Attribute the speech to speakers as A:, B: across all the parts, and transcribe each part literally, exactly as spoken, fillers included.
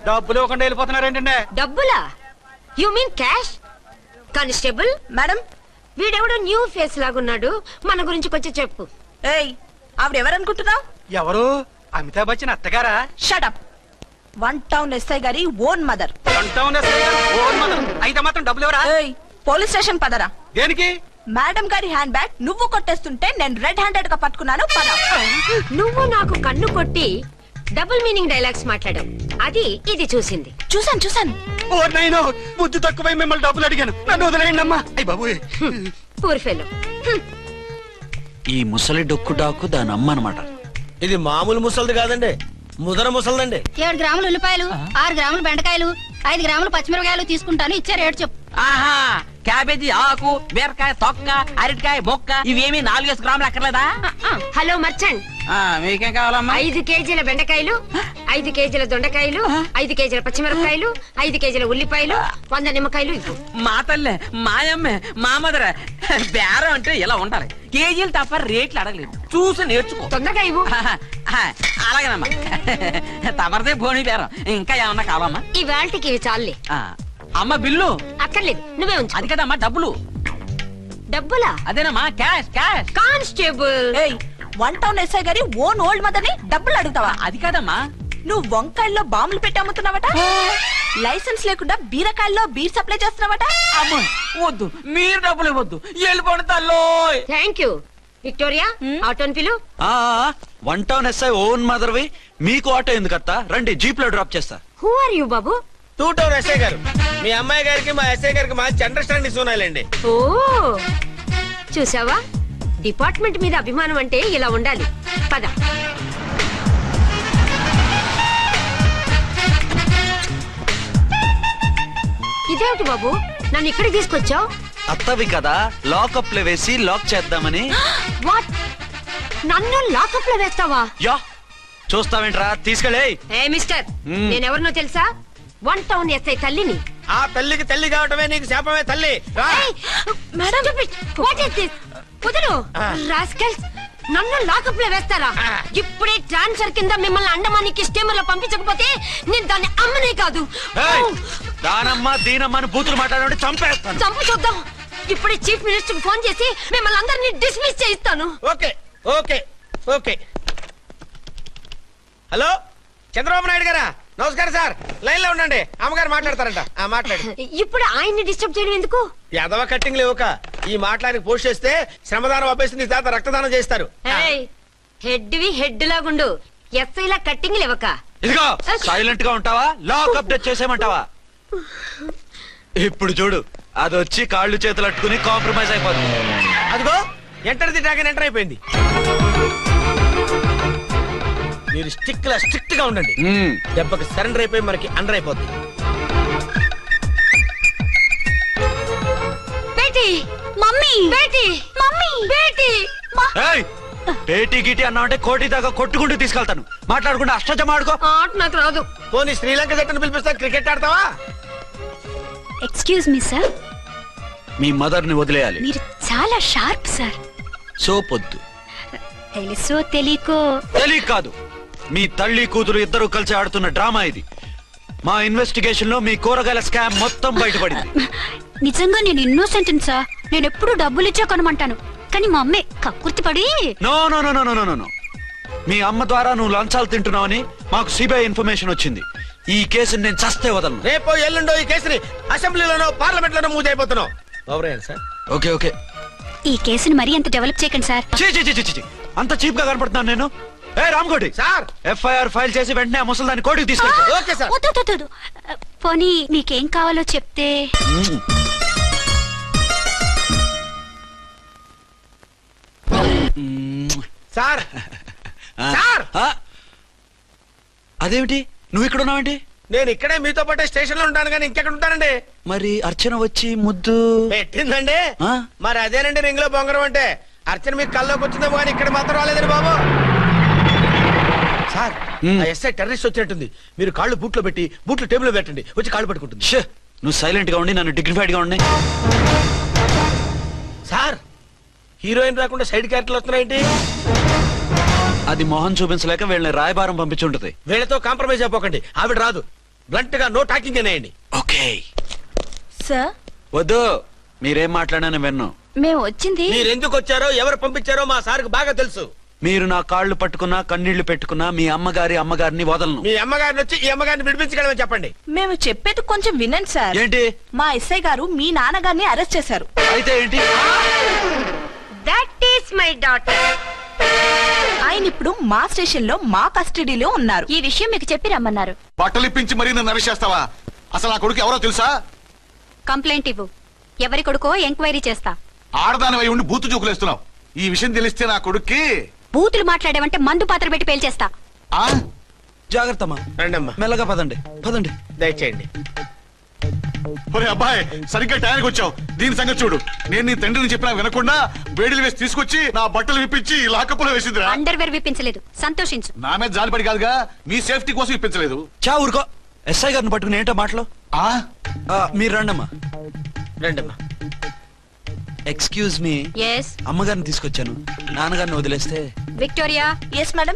A: డబ్బులు ఇవ్వకుండా వెళ్ళిపోతున్నారేంటండి?
B: డబ్బులా? You mean cash? Constable
C: madam,
B: వీడెవడో న్యూ ఫేస్ లాగున్నాడు, మన గురించి కొంచెం చెప్పు.
C: ఏయ్ ఆవిడెవరనుకుంటున్నావు?
A: ఎవరు? అమితాబ్ బచ్చన్ అత్తగారా?
C: షటప్. వన్ టౌన్ ఎస్ఐ గారి ఓన్ మదర్.
A: అయితే మాత్రం డబ్బులు ఎవరా?
C: ఏయ్ పోలీస్ స్టేషన్ పదరా.
A: దేనికి?
C: మేడం గారి హ్యాండ్ బ్యాగ్ నువ్వు కొట్టేస్తుంటే నేను రెడ్ హ్యాండెడ్ గా పట్టుకున్నాను. పద.
B: నువ్వు నాకు కన్ను కొట్టి డబుల్ మీనింగ్ డైలాగ్స్ మాట్లాడావు, అది ఇది చూసింది.
C: చూసాను చూసాను.
A: ఓ నైనో, బుద్ధి తక్కువై మిమ్మల్ని డబ్బులు అడిగాను, నన్ను వదిలేయండి అమ్మా. అయ్య బాబు,
B: పూర్ ఫెలో.
D: ఈ ముసలి డొక్కు డాకు దాని అమ్మ అనమాట.
E: ఇది మామూలు ముసలిది కాదండి, ముదర ముసలిదండి.
F: ఏడు గ్రాములు ఉల్లిపాయలు, ఆరు గ్రాములు బెండకాయలు, ఐదు గ్రాములు పచ్చిమిరపకాయలు తీసుకుంటాను. ఇచ్చే రేటు చెప్పు.
G: ఆహా, క్యాబేజీ ఆకు, బీరకాయ తొక్క, అరటికాయ బొక్క, ఇవేమి నాలుగేసి గ్రాములు అక్కర్లేదా?
B: హలో మర్చండ్,
G: మీకేం కావాలమ్మా?
B: ఐదు కేజీల బెండకాయలు, ఐదు కేజీల దొండకాయలు, ఐదు కేజీల పచ్చిమిరపకాయలు, ఐదు కేజీల ఉల్లిపాయలు, వంద నిమ్మకాయలు ఇవ్వు.
G: మా తల్లే, మాయమ్మే, మా మదర బేరం అంటే ఇలా ఉండాలి. కేజీలు తప్ప రేట్లు అడగలేదు, చూసి నేర్చుకో.
B: తొందరగా ఇవ్వు.
G: అలాగేనమ్మా, తమరిదే భోని బేరం. ఇంకా ఏమన్నా కావాలమ్మా?
B: ఈ వేల్టికి ఇవి చాలే.
G: అమ్మ బిల్లు
B: అక్కర్లేదు, నువ్వే ఉంచు.
G: అది కదమ్మా డబ్బులు.
B: డబ్బులా?
G: అదేనమ్మా క్యాష్ క్యాష్.
B: కానిస్టేబుల్,
C: ఏయ్ వన్ టౌన్ ఎస్ఐ గారి ఓన్ ఓల్డ్ మదర్ ని డబ్బులు అడుగుతావా?
G: అది కాదమ్మా.
C: నువ్వు వంకాయల్లో బాంబులు పెట్టి అమ్ముతున్నావట, లైసెన్స్ లేకుండా బీరకాయల్లో బీర్ సప్లై చేస్తున్నావట.
G: అమ్మ వద్దు, మీరు డబ్బులు ఇవ్వద్దు, వెళ్ళిపోండి తల్లో.
B: Thank you. విక్టోరియా, ఆటోన్ పిలు.
D: వన్ టౌన్ ఎస్ఐ ఓన్ మదర్వి, మీకు ఆటో ఎందుకత్తా? రండి, జీప్ లో డ్రాప్ చేస్తా.
B: హూ ఆర్ యూ బాబు?
E: టూ టౌన్ ఎస్ఐ గారు, మీ అమ్మాయి గారికి మా ఎస్ఐ గారికి మంచి అండర్స్టాండింగ్ ఉన్నాయండి.
B: ఓ చూసావా, డిపార్ట్మెంట్ మీద అభిమానం అంటే ఇలా ఉండాలి. పద. ఇదేమిటి బాబు, నన్ను ఇక్కడికి తీసుకొచ్చావు?
D: అత్తవి కదా, లాకప్ లో వేసి లాక్ చేద్దామని.
B: వాట్? నన్ను లాకప్ లో వేస్తావా?
D: యా, చూస్తావేంట్రా, తీసుకెళ్ళే.
B: ఏ మిస్టర్, నేనెవరినో తెలుసా? వన్ టౌన్ ఎస్ఐ తల్లిని.
E: ఆ తల్లికి తల్లి కావటమే నీకు శాపమే తల్లి.
B: Madam, what is this? కుదురు రాస్కల్స్, నన్ను లాకప్ లో వేస్తారా? ఇప్పుడే ట్రాన్స్ఫర్ కింద మిమ్మల్ని అండమానికి స్టీమర్ లో పంపించకపోతే నేను దాన్ని అమ్మనే కాదు.
D: దానమ్మ దీనమ్మ బూతులు మాట్లాడే చంపేస్తాను.
B: చంపు చూద్దాం. ఇప్పుడే చీఫ్ మినిస్టర్ కి ఫోన్ చేసి మిమ్మల్ని అందరినీ డిస్మిస్ చేయిస్తాను.
E: Okay okay okay. Hello Chandrababu Naidu గారా, నమస్కారం సార్. లైన్ లో ఉండండి, అమ్మగారు మాట్లాడతారంట. ఆ మాట్లాడు.
B: ఇప్పుడు ఆయన్ని డిస్టర్బ్ చేయడం ఎందుకు?
E: యాదవ కట్టింగ్ లేవుక ఈ మాట్లాడికి పోస్ట్ చేస్తే శ్రమదానం అభ్యసి నీ తాత రక్తదానం చేస్తారు.
B: హెడ్ వి హెడ్ లాగుండు, ఎస్ఐ లా కట్టింగ్ లేవక.
D: ఇదిగో సైలెంట్ గా ఉంటావా, లాక్ అప్డేట్ చేసేమంటావా? ఇప్పుడు చూడు, అది వచ్చి కాళ్ళు చేతులు అట్టుకుని కాంప్రమైజ్ అయిపోతుంది.
E: అదిగో ఎంటర్ ది డ్రాగన్ ఎంటర్ అయిపోయింది. మీరు స్టిక్ లా స్ట్రిక్ట్ గా ఉండండి, దెబ్బకి సరెండర్ అయిపోయి మనకి అండర్ అయిపోద్ది.
B: బేటీ, మమ్మీ, బేటీ, మమ్మీ, బేటీ.
D: పేటీ గిటి అన్నా అంటే కోటి దాకా కొట్టుకుంటూ తీసుకెళ్తాను. మాట్లాడుకుంటూ అష్టజమ ఆడుకో.
B: ఆట నాకు రాదు.
E: పోనీ శ్రీలంక జట్టును పిలిపిస్తా, క్రికెట్ ఆడతావా?
F: ఎక్స్క్యూజ్ మీ సార్,
D: మీ మదర్ ని వదిలేయాలి.
F: మీరు చాలా షార్ప్ సార్.
D: సోపొద్దు.
F: తెలుసో తెలియకో.
D: తెలియ కాదు, మీ తల్లి కూతురు ఇద్దరు కలిసి ఆడుతున్న డ్రామా ఇది. మా ఇన్వెస్టిగేషన్ లో మీ కూరగాయల స్కామ్ మొత్తం బయటపడింది.
F: నిజంగా నేను ఇన్నోసెంట్ సార్. నేను ఎప్పుడు డబ్బులు ఇచ్చా కొనమంటాను, కానీ మా అమ్మే కక్కుర్తి పడి.
D: No no no no no no మీ అమ్మ ద్వారా నువ్వు లంచాలు తింటున్నావని మాకు సిబిఐ ఇన్ఫర్మేషన్ వచ్చింది. ఈ కేసుని నేను చస్తే వదలను.
E: రేపో ఎల్లుండో ఈ కేసుని అసెంబ్లీలోనో పార్లమెంట్ లోనో మూవ్ అయిపోతున్నావు. సార్
D: ఓకే ఓకే,
F: ఈ కేసుని మరీ అంత డెవలప్ చేయకండి సార్.
D: చీ చీ చీ చీ, అంత చీప్ గా కనపడుతున్నాను నేను? ఏ రామ్కోటి
E: సార్,
D: ఎఫ్ఐఆర్ ఫైల్ చేసి వెంటనే ఆ ముసలిదాన్ని కోర్టుకి తీసుకెళ్ళి.
E: Okay sir.
F: వద్దు వద్దు వద్దు. పోనీ మీకేం కావాలో చెప్తే.
E: సార్ సార్,
D: అదేమిటి నువ్వు ఇక్కడ ఉన్నావేంటి?
E: నేను ఇక్కడే మీతో పాటే స్టేషన్ లో ఉంటాను, కానీ ఇంకెక్కడ ఉంటానండి?
D: మరి అర్చన వచ్చి ముద్దు
E: పెట్టిందండి. మరి అదేనండి రింగ్ లో బొంగరం అంటే. అర్చన మీకు కల్లోకి వచ్చిందేమో కానీ ఇక్కడ మాత్రం రాలేదండి బాబు. సార్, ఎస్ఐ టెర్రరిస్ట్ వచ్చినట్టుంది. మీరు కాళ్ళు బూట్లో పెట్టి బూట్లు టేబుల్ లో పెట్టండి, వచ్చి కాళ్ళు పట్టుకుంటుంది.
D: నువ్వు సైలెంట్ గా ఉండి నన్ను డిగ్నిఫైడ్ గా ఉండి.
E: సార్, హీరోయిన్ రాకుండా సైడ్ క్యారెక్టర్లు వస్తున్నాయేంటి?
D: అది మొహం చూపించలేక వీళ్ళని రాయబారం పంపించుంటది.
E: వీళ్ళతో కాంప్రమైజ్ అయిపోకండి, ఆవిడ రాదు. బ్లంట్ గా నో టాకింగ్ అనేయండి.
D: ఓకే
C: సార్
D: వద్దు, మీరేం మాట్లాడాను విన్ను.
B: మేము వచ్చింది
E: మీరు ఎందుకు వచ్చారో ఎవరు పంపించారో మా సార్కు బాగా తెలుసు.
D: మీరు నా కాళ్ళు పట్టుకున్నా కన్నీళ్లు పెట్టుకున్నా మీ అమ్మగారి అమ్మగారిని వదలను.
E: మీ అమ్మగారిని వచ్చి ఈ అమ్మగారిని విడిపించగలమని చెప్పండి.
C: మేము చెప్పేది కొంచెం వినండి సార్.
D: ఏంటి?
C: మా ఎస్ఐ గారు మీ నాన్నగారిని అరెస్ట్ చేశారు.
D: అయితే ఏంటి?
B: That is my daughter.
C: ఆయన ఇప్పుడు మా స్టేషన్ లో మా కస్టడీలో ఉన్నారు.
F: ఈ విషయం మీకు చెప్పి రమ్మన్నారు.
A: బట్టలు ఇప్పించి మరీ నన్ను అరెస్ట్ చేస్తావా? అసలు ఆ కొడుకు ఎవరో తెలుసా?
F: కంప్లైంట్ ఇవ్వు. ఎవరి కొడుకో ఎంక్వైరీ చేస్తా.
A: ఆడదాని అయి ఉండి బూతు జోకులేస్తున్నావు. ఈ విషయం తెలిస్తే నా కొడుక్కి
F: బూతులు మాట్లాడేవంటే మందు పాత్ర పెట్టి పేల్చేస్తా.
A: ఆ
D: జాగ్రత్త అమ్మా,
E: రండమ్మా,
D: మెల్లగా పదండి పదండి.
E: దయచేయండి.
A: ఒరే అబ్బాయి, సరిగ్గా టయానికి వచ్చావు. దీని సంగతి చూడు. నేను నీ తండ్రిని చెప్పినా వినకుండా వేడిలు వేసి తీసుకొచ్చి నా బట్టలు విప్పించి లాకప్పులో వేసిందిరా.
F: అండర్వేర్ విప్పించలేదు, సంతోషించు.
A: నా మీద జాలిపడి కాదుగా, మీ సేఫ్టీ కోసం ఇప్పించలేదు.
D: చా ఊరుకో. ఎస్ఐ గారిని పట్టుకుని ఏంటో మాటలు.
A: ఆ
D: ఆ, మీరు రండమ్మా.
E: రండమ్మా.
D: ఎక్స్క్యూజ్ మీ,
F: ఎస్
D: అమ్మగారిని తీసుకొచ్చాను. నాన్నగారిని వదిలేస్తే.
F: Victoria.
C: Yes madam.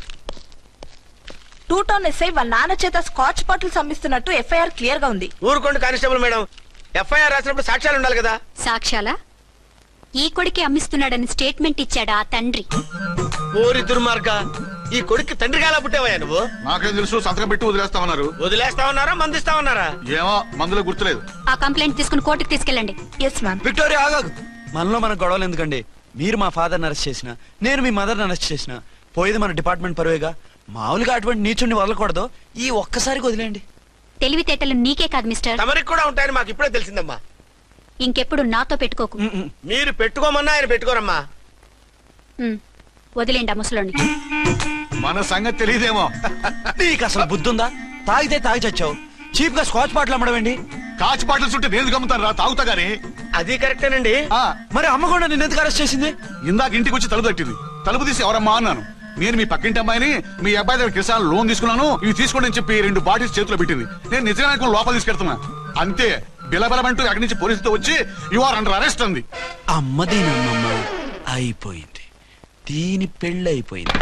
C: Two town SI వాళ్ళ నాన్న చేత స్కాచ్ బాటిల్ అమ్మిస్తున్నట్టు ఎఫ్ఐఆర్ క్లియర్ గా ఉంది.
E: ఊరుకోండి కానిస్టేబుల్ మేడం, ఎఫ్ఐఆర్ రాసినప్పుడు సాక్ష్యాలు ఉండాలి కదా.
F: సాక్ష్యాలా? ఈ కొడుకే అమ్మిస్తున్నాడని స్టేట్మెంట్ ఇచ్చాడా ఆ తండ్రి?
E: ఓరి దుర్మార్గ, ఈ కొడుక్కి తండ్రి కాలా పుట్టావయ్యా నువ్వు?
A: నాకేం తెలుసు, సంతకం పెట్టి వదిలేస్తామన్నారు.
E: వదిలేస్తామన్నారా మందిస్తామన్నారా?
A: ఏమో, మందులో గుర్తులేదు.
F: ఆ కంప్లైంట్ తీసుకుని కోర్టుకు తీసుకెళ్ళండి.
C: Yes ma'am.
D: విక్టోరియా ఆగాగు. మనలో మన గొడవలు ఎందుకండి? మీరు మా ఫాదర్ని అరెస్ట్ చేసిన, నేను మీ మదర్ని అరెస్ట్ చేసిన, పోయేది మన డిపార్ట్మెంట్ పరువేగా. మామూలుగా అటువంటి నీచుని వదలకూడదు. ఈ ఒక్కసారికి వదిలేండి.
F: తెలివితేటలు నీకే కాదు మిస్టర్,
E: తమరికి కూడా ఉంటాయని మాకు ఇప్పుడే తెలిసిందమ్మా.
F: ఇంకెప్పుడు నాతో పెట్టుకోకు.
D: ఉమ్, ఉమ్.
E: మీరు పెట్టుకోమన్నా ఆయన పెట్టుకోరమ్మా.
F: ఉమ్, వదిలేండి ఆ ముసలోని.
A: మన సంగతి తెలియదేమో.
D: నీకు అసలు బుద్ధి ఉందా? తాగితే తాగి చచ్చావు. చీప్ గా స్కాచ్ బాటిల్ అమ్మడమేంటి?
A: కాచి బాటలు చుట్టే నేను గమ్ముతాను రా, తాగుతా గానీ.
E: అది కరెక్టేనండి.
A: ఆ,
D: మరి అమ్మ కూడా నిన్ను ఎందుకు అరెస్ట్ చేసింది?
A: ఇందాక ఇంటికి వచ్చి తలుపు తట్టింది. తలుపు తీసి ఎవరమ్మా అన్నాను. నేను మీ పక్కింటి అమ్మాయిని, మీ అబ్బాయి దగ్గర కిసాన్ లోన్ తీసుకున్నాను, ఇవి తీసుకోండి అని చెప్పి రెండు బాటిల్స్ చేతిలో పెట్టింది. నేను నిజంగా అనుకుని లోపల తీసుకెళ్తున్నా. అంతే, బిలబలమంటూ అక్కడి నుంచి పోలీసులతో వచ్చి యు ఆర్ అండర్ అరెస్ట్ అంది.
D: అమ్మ దీనమ్మమ్మ అయిపోయింది. దీని పెళ్ళి అయిపోయింది.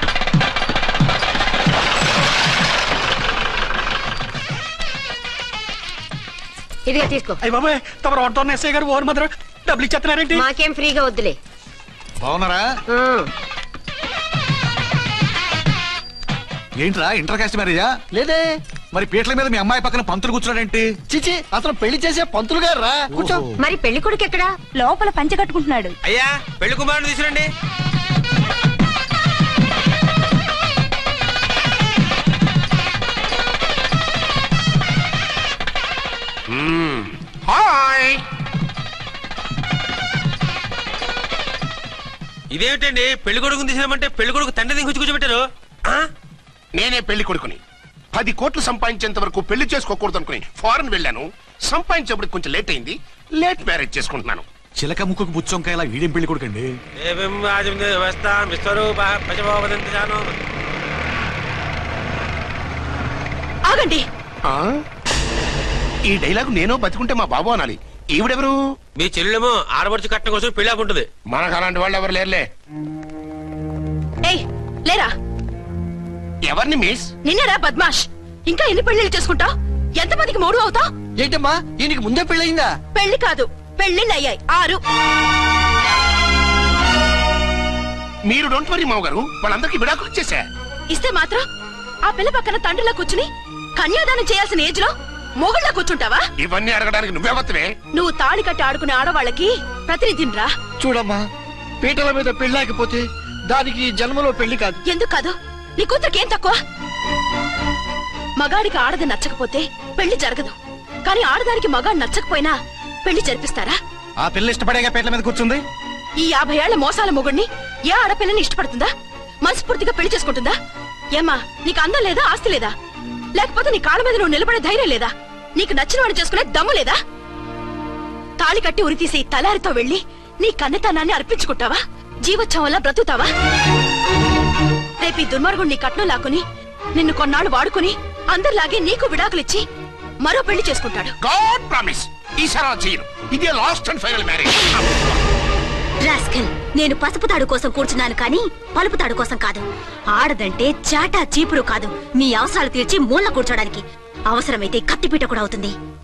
B: ఇదిగా తీసుకో.
A: అయ్య బాబాయ్, తమరు ఆటోన్ ఎస్ఐ గారు ఓవర్ మాత్రం డబ్బులు ఇచ్చేస్తున్నారేంటి?
B: మాకేం ఫ్రీగా వద్దులే.
A: బాగున్నారా? ఏంట్రా ఇంటర్ కాస్ట్ మ్యారేజా?
H: లేదే.
A: మరి పీటల మీద మీ అమ్మాయి పక్కన పంతులు కూర్చున్నాడేంటి?
H: చిచి, అతను పెళ్లి చేసే పంతులు గారు రా. కూర్చో.
B: మరి పెళ్లి కొడుకు ఎక్కడా?
C: లోపల పంచె కట్టుకుంటున్నాడు.
E: అయ్యా, పెళ్లి కుమారుని తీసుకురండి. హాయ్. ఇదేమిటండి, పెళ్లి కొడుకుని తీసినామంటే పెళ్లి కొడుకు తండ్రి దించి కూర్చోబెట్టారు.
I: నేనే పెళ్లి కొడుకుని. పది కోట్లు సంపాదించేంత వరకు పెళ్లి చేసుకోకూడదు అనుకుని ఫారెన్ వెళ్ళాను. సంపాదించేప్పుడు కొంచెం లేట్ అయింది. లేట్ మ్యారేజ్ చేసుకుంటున్నాను.
A: చిలక ముక్కుకు బుచ్చొంకాయ ఇలా వీడేం పెళ్లి కొడుకండి?
C: ఆగండి.
I: ఆ? ఈ డైలాగ్ నేను బతికుంటే మా బాబు అనాలి. ఈవిడెవరు?
E: మీ చెల్లెమో ఆడబడుచు కట్నం కోసం పెళ్లి ఆకుంటుంది.
I: మనకు అలాంటి వాళ్ళు ఎవరు లేరులే.
C: ఏయ్, లేరా.
I: ఎవరిని మిస్?
C: నిన్నరా బద్మాష్. ఇంకా ఎన్ని పెళ్లిళ్ళు చేసుకుంటావు? ఎంతమందికి మూడు అవుతా?
H: ఏంటమ్మా, ఈయనకి ముందే పెళ్ళయిందా?
C: పెళ్లి కాదు, పెళ్లిళ్ళు అయ్యాయి ఆరు.
I: మీరు డోంట్ వరీ మావ గారు, వాళ్ళందరికీ విడాకులు ఇచ్చేసా.
C: ఇస్తే మాత్రం ఆ పిల్ల పక్కన తండ్రిలా కూర్చుని కన్యాదానం చేయాల్సిన ఏజ్ లో మొగుళ్ళ కూర్చుంటావా?
I: ఇవన్నీ అడగడానికి నువ్వెవత్తవే?
C: నువ్వు తాళి కట్టి ఆడుకునే ఆడవాళ్ళకి ప్రతినిధిరా.
H: చూడమ్మా, పీటల మీద పెళ్ళాకపోతే దానికి ఈ జన్మలో పెళ్లి కాదు.
C: ఎందుకు కాదు? నీ కూతురికి ఏం తక్కువ? మగాడికి ఆడది నచ్చకపోతే పెళ్లి జరగదు. కానీ ఆడదానికి మగాడు నచ్చకపోయినా పెళ్లి జరిపిస్తారా?
A: ఆ పిల్ల ఇష్టపడేగా పీటల మీద కూర్చుంది.
C: ఈ యాభై ఏళ్ల మోసాల మొగుడిని ఏ ఆడపిల్లని ఇష్టపడుతుందా? మనస్ఫూర్తిగా పెళ్లి చేసుకుంటుందా? ఏమ్మా, నీకు అందం లేదా, ఆస్తి లేదా? లేకపోతే నీ కాళ్ళ మీద నువ్వు నిలబడే ధైర్యం లేదా? నీకు నచ్చిన వాడు చేసుకునే దమ్ము లేదా? తాళి కట్టి ఉరితీసి తలారితో వెళ్లి నీ కన్నెతనాన్ని అర్పించుకుంటావా? జీవోత్సవంలా బ్రతుకుతావా? రేపు ఈ దుర్మార్గుడు నీ కట్నం లాక్కుని నిన్ను కొన్నాళ్ళు వాడుకుని అందరిలాగే నీకు విడాకులిచ్చి మరో పెళ్లి చేసుకుంటాడు.
I: గాడ్ ప్రామిస్, ఈసారి అలా చేయను. ఇదే last and final marriage.
F: Rascal, నేను పసుపు తాడు కోసం కూర్చున్నాను కానీ పలుపు తాడు కోసం కాదు. ఆడదంటే చాటా చీపురు కాదు, మీ అవసరాలు తీర్చి మూల కూర్చోడానికి. అవసరమైతే కత్తిపీట కూడా అవుతుంది